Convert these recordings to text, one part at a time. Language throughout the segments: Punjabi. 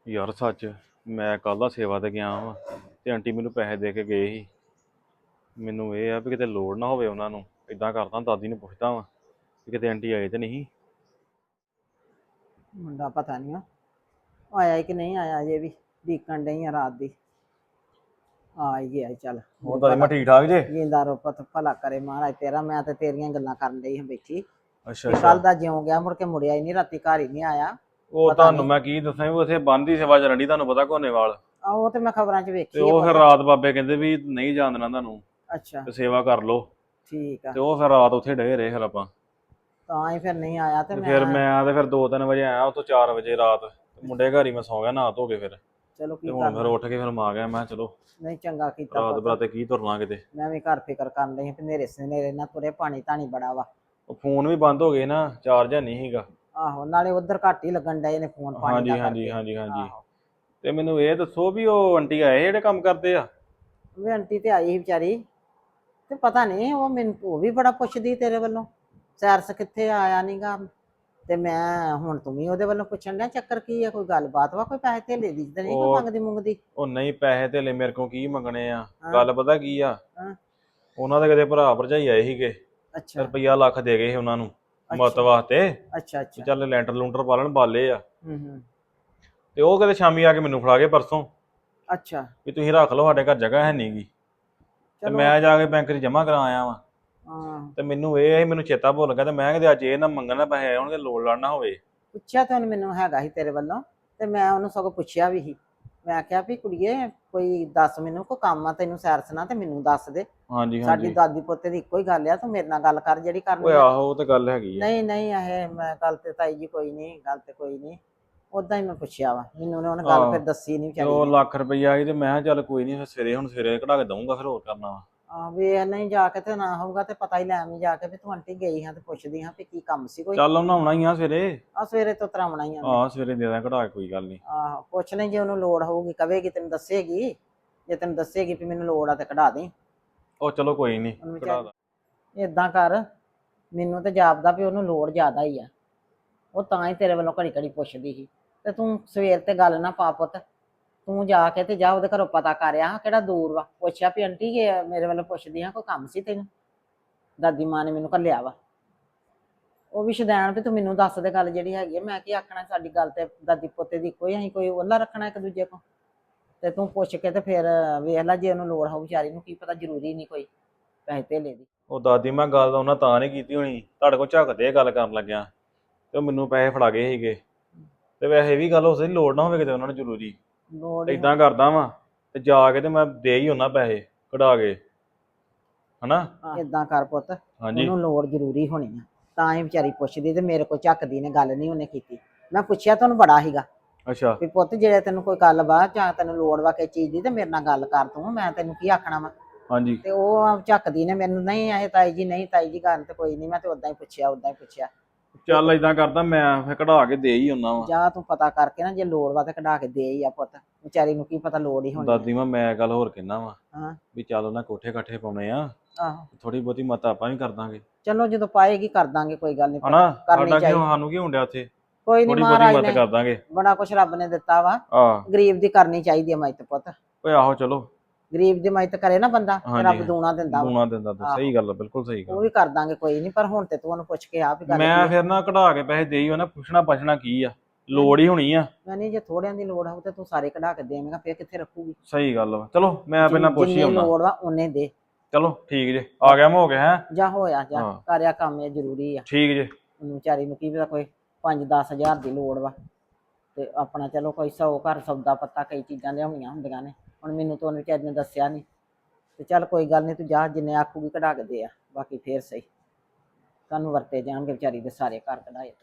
ਯਾਰ ਸੱਚ, ਮੈਂ ਕੱਲ ਦਾ ਸੇਵਾ ਤੇ ਗਿਆ ਵਾਂ ਤੇ ਆਂਟੀ ਮੈਨੂੰ ਪੈਸੇ ਦੇ ਕੇ ਗਏ ਸੀ। ਮੈਨੂੰ ਇਹ ਆ ਵੀ ਕਿਤੇ ਲੋੜ ਨਾ ਹੋਵੇ ਉਹਨਾਂ ਨੂੰ। ਇਦਾਂ ਕਰਦਾ ਦਾਦੀ ਨੂੰ ਪੁੱਛਦਾ ਵਾਂ ਵੀ ਕਿਤੇ ਆਂਟੀ ਆਏ ਤੇ ਨਹੀਂ। ਮੁੰਡਾ ਪਤਾ ਨਹੀਂ ਉਹ ਆਇਆ ਕਿ ਨਹੀਂ ਆਇਆ, ਅਜੇ ਵੀ ਡੀਕਣ ਡਈ ਆ ਰਾਤ ਦੀ। ਆ ਹੀ ਗਿਆ ਚੱਲ। ਹੋਰ ਦਾਦੀ ਮੈਂ ਠੀਕ ਠਾਕ ਜੇ? ਜਿੰਦਾ ਰੋ ਪੁੱਤ ਭਲਾ ਕਰੇ ਮਹਾਰਾਜ ਤੇਰਾ। ਮੈਂ ਤੇ ਤੇਰੀਆਂ ਗੱਲਾਂ ਕਰਨ ਡਈ ਹਾਂ ਬੈਠੀ। ਅੱਛਾ ਕੱਲ ਅੱਛਾ। ਦਾ ਜਿਉਂ ਗਿਆ, ਮੁੜ ਕੇ ਮੁੜਿਆ ਹੀ ਨਹੀਂ, ਰਾਤੀ ਘਰ ਹੀ ਨਹੀਂ ਆਇਆ। ਉਹ ਪਤਾ ਤੁਹਾਨੂੰ ਨੀ। ਮੈਂ ਕੀ ਦੱਸਾਂ ਵੀ ਉੱਥੇ ਬੰਦ ਦੀ ਸੇਵਾ ਚੱਲਣ ਡਈ, ਤੁਹਾਨੂੰ ਪਤਾ ਘੋਨੇਵਾਲ। ਉਹ ਤੇ ਮੈਂ ਖਬਰਾਂ 'ਚ ਤੇ ਵੇਖੀ ਆ ਉਹ ਫਿਰ ਪੁੱਤ। ਰਾਤ ਬਾਬੇ ਕਹਿੰਦੇ ਵੀ ਨਹੀਂ ਜਾਣ ਦੇਣਾ ਤੁਹਾਨੂੰ, ਅੱਛਾ ਤੇ ਸੇਵਾ ਕਰ ਲਓ। ਠੀਕ ਆ। ਤੇ ਉਹ ਫਿਰ ਰਾਤ ਉੱਥੇ ਡਏ ਰਹੇ ਫਿਰ ਆਪਾਂ। ਤਾਂ ਹੀ ਫਿਰ ਨਹੀਂ ਆਇਆ ਤੇ ਤੇ ਮੈਂ। ਫਿਰ ਮੈਂ ਤੇ ਫਿਰ 2-3 ਵਜੇ ਆਇਆ ਉੱਥੋਂ 4 ਵਜੇ ਰਾਤ। ਮੁੰਡੇ ਘਰ ਹੀ ਮੈਂ ਸੌਂ ਗਿਆ ਨਹਾ ਧੋ ਕੇ ਫਿਰ। ਚਲੋ ਕੀ ਤੇ ਹੁਣ ਫਿਰ ਕਰਨਾ। ਉੱਠ ਕੇ ਫਿਰ ਮੈਂ ਆ ਗਿਆ। ਮੈਂ ਕਿਹਾ ਚਲੋ ਨਹੀਂ ਚੰਗਾ ਕੀਤਾ ਰਾਤ ਪੁੱਤ। ਬਰਾਤੇ ਕੀ ਤੁਰਨਾ ਕਿਤੇ। ਮੈਂ ਵੀ ਘਰ ਫਿਕਰ ਕਰਨ ਡਈ ਹਾਂ ਵੀ ਨੇਰੇ ਸਨੇਰੇ ਨਾ ਤੁਰੇ, ਪਾਣੀ ਧਾਣੀ ਬੜਾ ਵਾ। ਉਹ ਫੋਨ ਵੀ ਬੰਦ ਹੋ ਗਏ ਨਾ, ਚਾਰਜ ਨਹੀਂ ਸੀਗਾ। ਆਹੋ, ਨਾਲੇ ਉਧਰ ਘੱਟ ਹੀ ਲੱਗਣ ਡਏ ਨੇ ਫੋਨ ਪਾਣੀ ਦਾ ਹਾਂਜੀ ਹਾਂਜੀ ਕਰਕੇ। ਹਾਂਜੀ ਹਾਂਜੀ। ਆਹੋ। ਤੇ ਮੈਨੂੰ ਇਹ ਦੱਸੋ ਵੀ ਉਹ ਆਂਟੀ ਆਏ ਜਿਹੜੇ ਕੰਮ ਕਰਦੇ ਆ? ਵੀ ਆਂਟੀ ਤੇ ਆਈ ਸੀ ਵਿਚਾਰੀ, ਤੇ ਪਤਾ ਨਹੀਂ ਉਹ ਮੈਨੂੰ ਉਹ ਵੀ ਬੜਾ ਪੁੱਛਦੀ ਤੇਰੇ ਵੱਲੋਂ, ਸੈਰਸ ਕਿੱਥੇ ਆਇਆ ਨੀਗਾ। ਤੇ ਮੈਂ ਹੁਣ ਤੂੰ ਵੀ ਉਹਦੇ ਵੱਲੋਂ ਪੁੱਛਣ ਡਿਆ, ਚੱਕਰ ਕੀ ਆ? ਕੋਈ ਗੱਲਬਾਤ ਵਾ? ਕੋਈ ਪੈਸੇ ਧੇਲੇ ਦੀ ਤਾਂ ਨਹੀਂ ਕੋਈ ਉਹ ਮੰਗਦੀ ਮੁੰਗਦੀ? ਉਹ ਨਹੀਂ, ਪੈਸੇ ਧੇਲੇ ਮੇਰੇ ਕੋਲ ਕੀ ਮੰਗਣੇ ਆ। ਹਾਂ। ਗੱਲ ਪਤਾ ਕੀ ਆ, ਹਾਂ। ਉਹਨਾਂ ਦੇ ਕਿਤੇ ਭਰਾ ਭਰਜਾਈ ਆਏ ਸੀਗੇ, ਅੱਛਾ ਰੁਪਈਆ ਲੱਖ ਦੇ ਗਏ ਸੀ ਉਹਨਾਂ ਨੂੰ ਮਤ ਅੱਛਾ ਵਾਸਤੇ। ਅੱਛਾ। ਵੀ ਅੱਛਾ। ਚੱਲ ਲੈਂਟਰ ਲੂੰਟਰ ਪਾ ਲੈਣ, ਬਾਲੇ ਆ। ਹੂੰ। ਤੇ ਉਹ ਕਿਤੇ ਸ਼ਾਮੀ ਆ ਕੇ ਮੈਨੂੰ ਫੜਾ ਗਏ ਪਰਸੋਂ ਅੱਛਾ। ਵੀ ਤੁਸੀਂ ਰੱਖ ਲਓ, ਸਾਡੇ ਘਰ ਜਗ੍ਹਾ ਹੈ ਨਹੀਂਗੀ। ਤੇ ਚਲੋ। ਮੈਂ ਜਾ ਕੇ ਬੈਂਕ 'ਚ ਜਮ੍ਹਾਂ ਕਰਾ ਆਇਆ ਵਾਂ। ਹਾਂ। ਤੇ ਮੈਨੂੰ ਇਹ ਸੀ, ਮੈਨੂੰ ਚੇਤਾ ਭੁੱਲ ਗਿਆ। ਤੇ ਮੈਂ ਕਿਤੇ ਅੱਜ ਇਹ ਨਾ ਮੰਗਣ ਨਾ ਪੈਸੇ ਆਏ ਹੋਣਗੇ, ਲੋੜ ਲੜ ਨਾ ਹੋਵੇ। ਪੁੱਛਿਆ ਤਾਂ ਉਹਨੇ ਮੈਨੂੰ ਹੈਗਾ ਸੀ ਤੇਰੇ ਵੱਲੋਂ, ਤੇ ਮੈਂ ਉਹਨੂੰ ਸਗੋਂ ਪੁੱਛਿਆ ਵੀ ਸੀ। ਮੈਂ ਕਿਹਾ ਵੀ ਕੁੜੀਏ ਕੋਈ ਦੱਸ, ਮੈਨੂੰ ਕੋਈ ਕੰਮ ਆ ਤੈਨੂੰ ਸੈਰਸ ਨਾਲ ਤੇ ਮੈਨੂੰ ਦੱਸ ਦੇ। ਹਾਂਜੀ ਸਾਡੀ ਹਾਂਜੀ। ਦਾਦੀ ਪੋਤੇ ਦੀ ਇੱਕੋ ਹੀ ਗੱਲ ਆ, ਤੂੰ ਮੇਰੇ ਨਾਲ ਗੱਲ ਕਰ ਜਿਹੜੀ ਓਏ ਕਰਨੀ ਆ। ਆਹੋ, ਉਹ ਤੇ ਗੱਲ ਹੈਗੀ ਆ। ਨਹੀਂ ਨਹੀਂ, ਇਹ ਮੈਂ ਗੱਲ ਤੇ ਤਾਈ ਜੀ ਕੋਈ ਨਹੀਂ, ਗੱਲ ਤੇ ਕੋਈ ਨਹੀਂ। ਉਦਾਂ ਹੀ ਮੈਂ ਪੁੱਛਿਆ ਵਾ, ਮੈਨੂੰ ਉਹਨੇ ਗੱਲ ਫਿਰ ਦੱਸੀ ਨਹੀਂ ਤੇ ਵਿਚਾਰੀ ਉਹ ਨੇ। ਲੱਖ ਰੁਪਈਆ ਆਈ ਤੇ ਮੈਂ ਕਿਹਾ ਚੱਲ ਕੋਈ ਨਹੀਂ, ਫਿਰ ਸਵੇਰੇ ਹੁਣ ਸਵੇਰੇ ਕਢਾ ਕੇ ਦਊਂਗਾ, ਫਿਰ ਹੋਰ ਕਰਨਾ ਵਾ। ਵੇ ਨਹੀਂ ਜਾ ਕੇ ਤੇ ਨਾ ਹੋਊਗਾ ਤੇ ਪਤਾ ਹੀ ਲੈ ਆਵੀਂ ਜਾ ਕੇ ਵੀ ਤੂੰ ਆਂਟੀ ਗਈ ਹਾਂ, ਤੇ ਪੁੱਛਦੀ ਹਾਂ ਵੀ ਕੀ ਕੰਮ ਸੀ ਕੋਈ। ਚੱਲ ਉਹਨਾਂ ਆਉਣਾ ਹੀ ਆ ਸਵੇਰੇ। ਆ ਸਵੇਰੇ ਤੋਂ ਤਰਾਉਣਾ ਹੀ ਆ ਮੈਂ। ਸਵੇਰੇ ਦੇ ਦਾਂ ਕਢਾ ਕੇ, ਕੋਈ ਗੱਲ ਨਹੀਂ। ਆਹੋ, ਪੁੱਛ ਲੈ ਜੇ ਉਹਨੂੰ ਲੋੜ ਹੋਊਗੀ, ਕਵੇਗੀ ਤੈਨੂੰ ਦੱਸੇਗੀ। ਜੇ ਤੈਨੂੰ ਦੱਸੇਗੀ ਵੀ ਮੈਨੂੰ ਲੋੜ ਆ ਤੇ ਕਢਾ ਦੇ। ਉਹ ਚਲੋ ਕੋਈ ਨਹੀਂ, ਉਹਨੂੰ ਕਢਾ ਦਾਂ। ਏਦਾਂ ਕਰ, ਮੈਨੂੰ ਤੇ ਜਾਪਦਾ ਵੀ ਉਹਨੂੰ ਲੋੜ ਜ਼ਿਆਦਾ ਹੀ ਆ। ਉਹ ਤਾਂ ਹੀ ਤੇਰੇ ਵੱਲੋਂ ਘੜੀ ਘੜੀ ਪੁੱਛਦੀ ਸੀ। ਤੇ ਤੂੰ ਸਵੇਰ ਤੇ ਗੱਲ ਨਾ ਪਾ ਪੁੱਤ। ਤੂੰ ਜਾ ਕੇ ਤੇ ਜਾ ਉਹਦੇ ਘਰੋਂ ਪਤਾ ਕਰਿਆ, ਕਿਹੜਾ ਦੂਰ ਵਾ। ਪੁੱਛਿਆ ਵੀ ਆਂਟੀ ਇਹ ਮੇਰੇ ਵੱਲੋਂ ਪੁੱਛਦੀ ਹਾਂ, ਕੋਈ ਕੰਮ ਸੀ ਤੈਨੂੰ? ਦਾਦੀ ਮਾਂ ਨੇ ਮੈਨੂੰ ਘੱਲਿਆ ਵਾ। ਉਹ ਵੀ ਸ਼ੁਦੈਣ ਵੀ ਤੂੰ ਮੈਨੂੰ ਦੱਸ ਦੇ ਗੱਲ ਜਿਹੜੀ ਹੈਗੀ ਆ। ਮੈਂ ਕੀ ਆਖਣਾ, ਸਾਡੀ ਗੱਲ ਤੇ ਦਾਦੀ ਪੋਤੇ ਦੀ ਇੱਕੋ ਹੀ, ਅਸੀਂ ਕੋਈ ਉਹਲਾ ਰੱਖਣਾ ਇੱਕ ਦੂਜੇ ਕੋਲ? ਤੇ ਤੂੰ ਪੁੱਛ ਕੇ ਤੇ ਫਿਰ ਵੇਖ ਲੈ, ਜੇ ਉਹਨੂੰ ਲੋੜ ਹੋਊ ਵਿਚਾਰੀ ਨੂੰ, ਕੀ ਪਤਾ ਜ਼ਰੂਰੀ ਨਹੀਂ ਕੋਈ ਪੈਸੇ ਧੇਲੇ ਦੀ। ਉਹ ਦਾਦੀ, ਮੈਂ ਗੱਲ ਉਹਨਾਂ ਤਾਂ ਨਹੀਂ ਕੀਤੀ ਹੋਣੀ, ਤੁਹਾਡੇ ਕੋਲ ਝੱਕਦੇ ਗੱਲ ਕਰਨ ਲੱਗਿਆ ਤੇ ਉਹ ਮੈਨੂੰ ਪੈਸੇ ਫੜਾ ਗਏ ਸੀਗੇ। ਤੇ ਵੈਸੇ ਇਹ ਵੀ ਗੱਲ ਹੋ ਸਕਦੀ ਲੋੜ ਨਾ ਹੋਵੇ ਕਿਤੇ ਉਹਨਾਂ ਨੂੰ ਜ਼ਰੂਰੀ। ਲੋੜ ਤੇ ਹੀ ਇਦਾਂ ਕਰਦਾ ਵਾਂ, ਤੇ ਜਾ ਕੇ ਤੇ ਮੈਂ ਦੇ ਹੀ ਉਹਨਾਂ ਪੈਸੇ ਕਢਾ ਕੇ, ਹਨਾ। ਏਦਾਂ ਕਰ ਪੁੱਤ, ਹਾਂਜੀ ਉਹਨੂੰ ਲੋੜ ਜ਼ਰੂਰੀ ਹੋਣੀ ਆ, ਤਾਂ ਹੀ ਵਿਚਾਰੀ ਪੁੱਛਦੀ। ਤੇ ਮੇਰੇ ਕੋਲ ਝੱਕਦੀ ਨੇ ਗੱਲ ਨਹੀਂ ਉਹਨੇ ਕੀਤੀ। ਮੈਂ ਪੁੱਛਿਆ ਤੁਹਾਨੂੰ ਬੜਾ ਸੀਗਾ ਅੱਛਾ। ਵੀ ਪੁੱਤ ਜੇ ਤੈਨੂੰ ਕੋਈ ਗੱਲ ਵਾ ਜਾਂ ਤੈਨੂੰ ਲੋੜ ਵਾ ਕਿਸੇ ਚੀਜ਼ ਦੀ ਤੇ ਮੇਰੇ ਨਾਲ ਗੱਲ ਕਰ ਤੂੰ, ਮੈਂ ਤੈਨੂੰ ਕੀ ਆਖਣਾ ਵਾ। ਹਾਂਜੀ। ਤੇ ਉਹ ਝੱਕਦੀ ਨੇ ਮੈਨੂੰ, ਨਹੀਂ ਇਹ ਤਾਈ ਜੀ, ਨਹੀਂ ਤਾਈ ਜੀ ਗੱਲ ਤੇ ਕੋਈ ਨਹੀਂ। ਮੈਂ ਤੇ ਉਦਾਂ ਹੀ ਪੁੱਛਿਆ, ਉਦਾਂ ਹੀ ਪੁੱਛਿਆ। ਚੱਲ ਇਦਾਂ ਕਰਦਾ, ਮੈਂ ਫਿਰ ਕਢਾ ਕੇ ਦੇ ਹੀ ਆਉਣਾ ਵਾ। ਜਾ ਤੂੰ ਪਤਾ ਕਰਕੇ ਨਾ, ਜੇ ਲੋੜ ਵਾ ਤੇ ਕਢਾ ਕੇ ਦੇ ਹੀ ਆ ਪੁੱਤ। ਵਿਚਾਰੀ ਨੂੰ ਕੀ ਪਤਾ ਲੋੜ ਹੀ ਹੋਣੀ ਆ। ਦਾਦੀ ਮੈਂ ਗੱਲ ਹੋਰ ਕਹਿਣਾ ਵਾ ਹਾਂ। ਵੀ ਚੱਲ ਉਹਨਾਂ ਕੋਠੇ ਕਾਠੇ ਪਾਉਣੇ ਆ, ਆਹੋ, ਥੋੜੀ ਬਹੁਤੀ ਮਤ ਆਪਾਂ ਵੀ ਕਰ ਦਾਂਗੇ, ਚਲੋ ਜਦੋਂ ਪਾਏਗੀ ਕਰ ਦਾਂਗੇ, ਕੋਈ ਗੱਲ ਨਹੀਂ, ਹਨਾ। ਕਰਨੀ ਸਾਡਾ ਚਾਹੀਦੀ। ਸਾਨੂੰ ਕੀ ਹੁੰਦਿਆ ਉੱਥੇ, ਕੋਈ ਨਹੀਂ, ਥੋੜੀ ਬਹੁਤੀ ਮਹਾਰਾਜ ਮਤ ਨੇ ਕਰ ਦਾਂਗੇ। ਬੜਾ ਕੁਛ ਰੱਬ ਨੇ ਦਿੱਤਾ ਵਾ, ਆਹ ਗਰੀਬ ਦੀ ਕਰਨੀ ਚਾਹੀਦੀ ਹੈ ਮਦਦ ਪੁੱਤ। ਓਏ ਆਹੋ, ਚਲੋ। ਗਰੀਬ ਦੀ ਮਦਦ ਕਰੇ ਨਾ ਬੰਦਾ, ਤੇ ਹਾਂਜੀ, ਰੱਬ ਦੂਣਾ ਦਿੰਦਾ ਵਾ। ਦੂਣਾ ਦਿੰਦਾ ਤੇ ਆਹੋ, ਸਹੀ ਗੱਲ ਆ, ਬਿਲਕੁਲ ਸਹੀ ਉਹ ਗੱਲ। ਵੀ ਕਰ ਦਾਂਗੇ ਕੋਈ ਨਹੀਂ, ਪਰ ਹੁਣ ਤੇ ਤੂੰ ਉਹਨੂੰ ਪੁੱਛ ਕੇ ਆ ਵੀ ਗੱਲ ਕੀ ਮੈਂ ਹੈ। ਫਿਰ ਨਾ ਕਢਾ ਕੇ ਪੈਸੇ ਦੇਈ ਉਹਨੇ, ਪੁੱਛਣਾ ਪਛਣਾ ਕੀ ਆ, ਮੈਂ ਲੋੜ ਹੀ ਹੋਣੀ ਆ। ਨਹੀਂ, ਜੇ ਥੋੜਿਆਂ ਦੀ ਲੋੜ ਹੋਊ ਤੇ ਤੂੰ ਸਾਰੇ ਕਢਾ ਕੇ ਦੇਵੇਂਗਾ, ਫਿਰ ਕਿੱਥੇ ਰੱਖੂਗੀ? ਸਹੀ ਗੱਲ ਵਾ। ਚਲੋ ਮੈਂ ਪਹਿਲਾਂ ਪੁੱਛ ਹੀ ਜਿੰਨੀ ਆਉਣਾ। ਲੋੜ ਵਾ ਉਹਨੇ ਦੇ। ਚਲੋ ਠੀਕ ਜੇ, ਆ ਗਿਆ ਮੈਂ, ਹੋ ਗਿਆ ਹੈ। ਜਾ ਹੋਇਆ, ਜਾ ਹਾਂ ਕਰਿਆ ਕੰਮ, ਇਹ ਜ਼ਰੂਰੀ ਆ। ਠੀਕ ਜੇ। ਉਹਨੂੰ ਵਿਚਾਰੀ ਨੂੰ ਕੀ ਪਤਾ ਕੋਈ 5-10 ਹਜ਼ਾਰ ਦੀ ਲੋੜ ਵਾ, ਤੇ ਆਪਣਾ ਚਲੋ ਕੋਈ 100 ਘਰ ਸੌਦਾ ਪੱਤਾ ਕਈ ਚੀਜ਼ਾਂ ਲਿਆਉਣੀਆਂ ਹੁੰਦੀਆਂ ਨੇ। ਹੁਣ ਮੈਨੂੰ ਤਾਂ ਉਹਨੇ ਵਿਚਾਰੀ ਨੇ ਦੱਸਿਆ ਨਹੀਂ। ਤੇ ਚੱਲ ਕੋਈ ਗੱਲ ਨਹੀਂ, ਤੂੰ ਜਾ ਜਿੰਨੇ ਆਖੂਗੀ ਕਢਾ ਕੇ ਦੇ ਆ, ਬਾਕੀ ਫੇਰ ਸਹੀ ਤੁਹਾਨੂੰ ਵਰਤੇ ਜਾਣਗੇ। ਵਿਚਾਰੀ ਦੇ ਸਾਰੇ ਘਰ ਕਢਾਏ।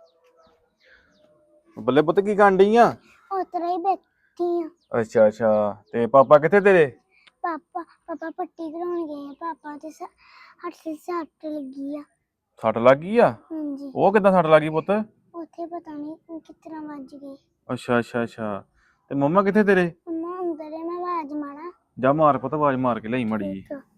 ਬੱਲੇ ਪੁੱਤ, ਕੀ ਕਰਨ ਡਈ ਆ? ਉਤਰਾ ਹੀ ਬੈਠੀ ਆ। ਅੱਛਾ ਅੱਛਾ। ਤੇ ਪਾਪਾ ਕਿੱਥੇ ਤੇਰੇ? ਪਾਪਾ ਪੱਟੀ ਕਰਾਉਣ ਗਏ ਆ। ਪਾਪਾ ਤੇ ਹੱਥ ਤੇ ਸੱਟ ਲੱਗੀ ਆ। ਸੱਟ ਲੱਗ ਗਈ ਆ? ਹਾਂਜੀ, ਉਹ ਕਿੱਦਾਂ ਸੱਟ ਲੱਗ ਗਈ ਪੁੱਤ? ਉੱਥੇ ਪਤਾ ਨਹੀਂ ਕਿਸ ਤਰ੍ਹਾਂ ਵੱਜ ਗਈ। ਅੱਛਾ ਅੱਛਾ ਅੱਛਾ। ਤੇ ਮੰਮਾ ਕਿੱਥੇ ਤੇਰੇ? ਮੰਮਾ ਅੰਦਰ ਹੈ, ਮੈਂ ਆਵਾਜ਼ ਮਾਰਾਂ? ਜਾ ਮਾਰ ਪੁੱਤ, ਆਵਾਜ਼ ਮਾਰ ਕੇ ਲਈ ਮੜੀ ਜੀ। ਠੀਕ ਆ।